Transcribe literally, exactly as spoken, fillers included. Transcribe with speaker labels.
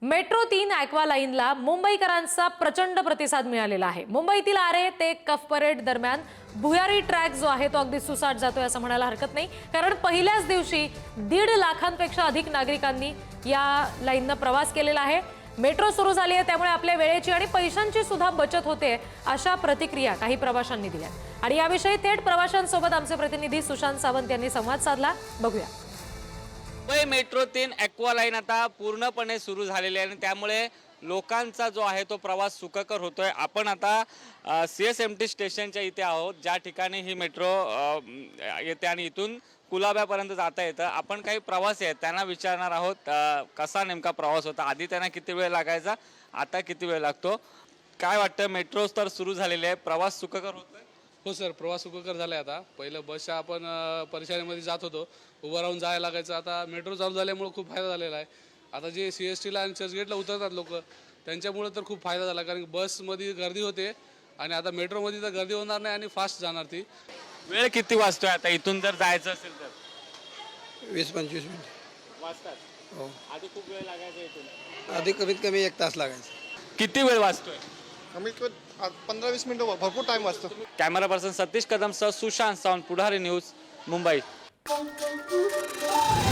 Speaker 1: Metro तीन aqua लाईनला मुंबईकरांचा प्रचंड प्रतिसाद मिळालेला आहे। मुंबईतील आरे ते कफ परेड दरम्यान भुयारी ट्रॅक जो आहे तो अगदी सुसाट जातोय असं म्हणायला हरकत नाही, कारण पहिल्याच दिवशी दीड लाखांपेक्षा अधिक नागरिकांनी या लाईननं प्रवास केलेला आहे। मेट्रो सुरू झाली आहे त्यामुळे आपल्या वेळेची आणि पैशांची सुद्धा बचत होते अशा प्रतिक्रिया काही प्रवाशांनी दिल्या आणि याविषयी थेट प्रवाशांसोबत आमचे प्रतिनिधी सुशांत सावंत यांनी संवाद साधला। बघूया।
Speaker 2: मुंबई मेट्रो तीन ॲक्वा लाईन आता पूर्णपणे सुरू झालेली आहे आणि त्यामुळे लोकांचा जो आहे तो प्रवास सुखकर होतोय। आपण आता सी एस एम टी स्टेशनच्या इथे आहोत, ज्या ठिकाणी ही मेट्रो येते आणि इथून कुलाब्यापर्यंत जाता येतं। आपण काही प्रवासी आहेत त्यांना विचारणार आहोत कसा नेमका प्रवास होता, आधी त्यांना किती वेळ लागायचा, आता किती वेळ लागतो, काय वाटतं। मेट्रो तर सुरू झालेली आहे, प्रवास सुखकर होतोय?
Speaker 3: हो सर, प्रवास सुखकर झाला आहे। आता पहिलं बसच्या आपण परेशानीमध्ये जात होतो, उभं राहून जायला लागायचं। आता मेट्रो चालू झाल्यामुळे खूप फायदा झालेला आहे। आता जे सी एस टीला आणि चर्चगेटला उतरतात लोक, त्यांच्यामुळे तर खूप फायदा झाला, कारण बसमध्ये गर्दी होते आणि आता मेट्रोमध्ये तर गर्दी होणार नाही आणि फास्ट जाणार ती।
Speaker 2: वेळ किती वाजतोय आता इथून जर जायचं असेल तर?
Speaker 4: वीस पंचवीस मिनिट
Speaker 2: वाजतात।
Speaker 4: हो,
Speaker 2: आधी खूप वेळ लागायचा इथून?
Speaker 4: आधी कमीत कमी एक तास लागायचा।
Speaker 2: किती वेळ वाजतोय?
Speaker 5: कमीत कमी पंधरा वीस मिनिटं भरपूर टाइम वाचतो।
Speaker 2: कॅमेरा पर्सन सतीश कदमसह सुशांत सावंत, पुढारी न्यूज, मुंबई।